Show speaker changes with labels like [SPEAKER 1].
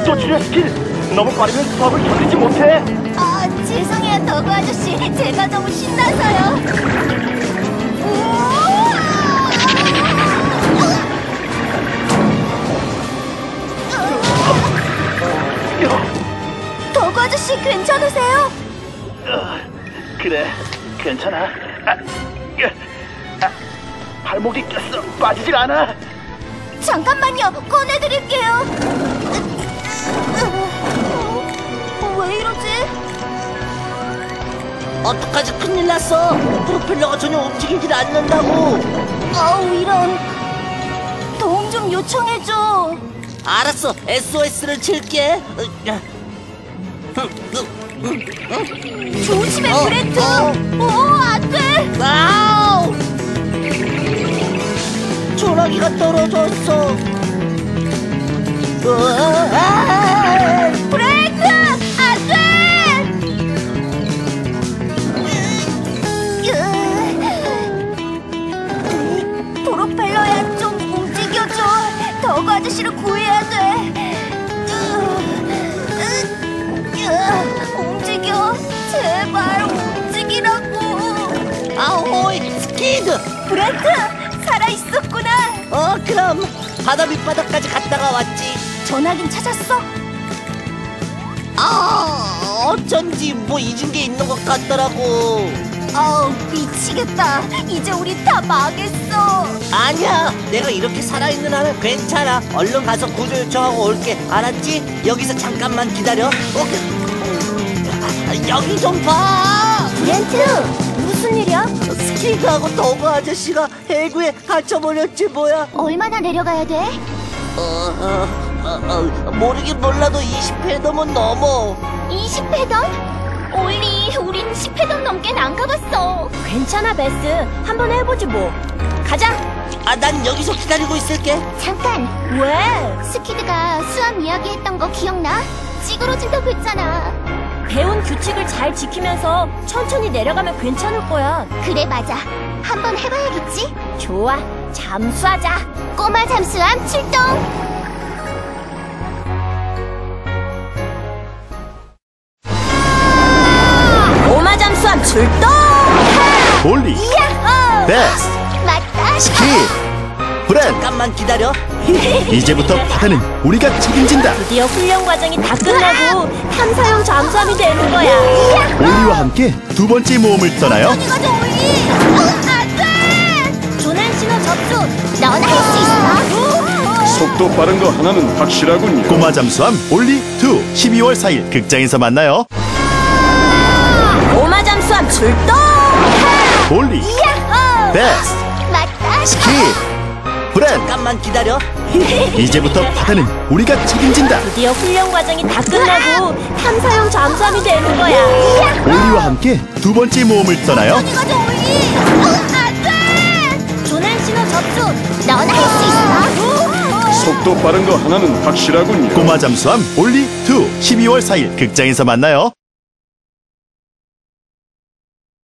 [SPEAKER 1] 속도 줄여 스킬. 너무 빠르면 수압을 견디지 못해.
[SPEAKER 2] 아, 죄송해요, 더그 아저씨. 제가 너무 신나서요. 더그 아저씨 괜찮으세요?
[SPEAKER 1] 그래, 괜찮아. 발목이 꼈어. 빠지질 않아.
[SPEAKER 2] 잠깐만요, 꺼내드릴게요. 왜 이러지?
[SPEAKER 3] 어떡하지, 큰일 났어. 프로펠러가 전혀 움직이질 않는다고.
[SPEAKER 2] 아우, 이런. 도움 좀 요청해줘.
[SPEAKER 3] 알았어, SOS를 칠게.
[SPEAKER 2] 조심해, 브레트. 안 돼.
[SPEAKER 3] 아우! 전화기가 떨어졌어.
[SPEAKER 2] 브레이크! 안 돼! 프로펠러야, 좀 움직여줘. 더그 아저씨를 구해야 돼. 움직여. 제발 움직이라고.
[SPEAKER 3] 아오이, 스키드!
[SPEAKER 2] 브레트! 살아있었구나.
[SPEAKER 3] 그럼 바다 밑바닥까지 갔다가 왔지.
[SPEAKER 2] 전화긴 찾았어?
[SPEAKER 3] 어쩐지 뭐 잊은 게 있는 것 같더라고.
[SPEAKER 2] 아우, 미치겠다. 이제 우리 다 망했어.
[SPEAKER 3] 아니야, 내가 이렇게 살아있는 한은 괜찮아. 얼른 가서 구조 요청하고 올게. 알았지? 여기서 잠깐만 기다려. 여기 좀 봐.
[SPEAKER 2] 브렌트, 무슨 일이야?
[SPEAKER 3] 스키드하고 더그 아저씨가 해구에 갇혀버렸지 뭐야.
[SPEAKER 2] 얼마나 내려가야 돼?
[SPEAKER 3] 모르긴 몰라도 20회더면 넘어.
[SPEAKER 2] 20회던? 올리, 우린 10회던 넘게는 안 가봤어. 괜찮아, 베스. 한번 해보지 뭐. 가자.
[SPEAKER 3] 난 여기서 기다리고 있을게.
[SPEAKER 2] 잠깐. 왜? 스키드가 수암 이야기했던 거 기억나? 찌그러진다고 했잖아. 배운 규칙을 잘 지키면서 천천히 내려가면 괜찮을 거야. 그래, 맞아. 한번 해봐야겠지? 좋아. 잠수하자. 꼬마 잠수함 출동. 꼬마 잠수함 출동.
[SPEAKER 1] 올리,
[SPEAKER 2] 야호!
[SPEAKER 1] 베스,
[SPEAKER 2] 맞다.
[SPEAKER 1] 스키, 브렌.
[SPEAKER 3] 잠깐만 기다려.
[SPEAKER 1] 이제부터 바다는 우리가 책임진다.
[SPEAKER 2] 드디어 훈련 과정이 다 끝나고 탐사용 잠수함이 되는 거야.
[SPEAKER 1] 올리와 함께 두 번째 모험을 떠나요.
[SPEAKER 2] 안 돼! 조난 신호 접수. 너나 할 수 있어.
[SPEAKER 4] 속도 빠른 거 하나는 확실하군요.
[SPEAKER 1] 꼬마 잠수함 올리 2 12월 4일 극장에서 만나요.
[SPEAKER 2] 꼬마 잠수함 출동.
[SPEAKER 1] 올리,
[SPEAKER 2] 야호!
[SPEAKER 1] 베스,
[SPEAKER 2] 맞다.
[SPEAKER 1] 스키, 브렌.
[SPEAKER 3] 잠깐만 기다려.
[SPEAKER 1] 이제부터 바다는 우리가 책임진다.
[SPEAKER 2] 드디어 훈련 과정이 다 끝나고 탐사용 잠수함이 되는 거야.
[SPEAKER 1] 올리와 함께 두 번째 모험을 떠나요.
[SPEAKER 2] 안 돼! 조난 신호 접수. 너나 할 수 있어.
[SPEAKER 4] 속도 빠른 거 하나는 확실하군요.
[SPEAKER 1] 꼬마 잠수함 올리 2 12월 4일 극장에서 만나요.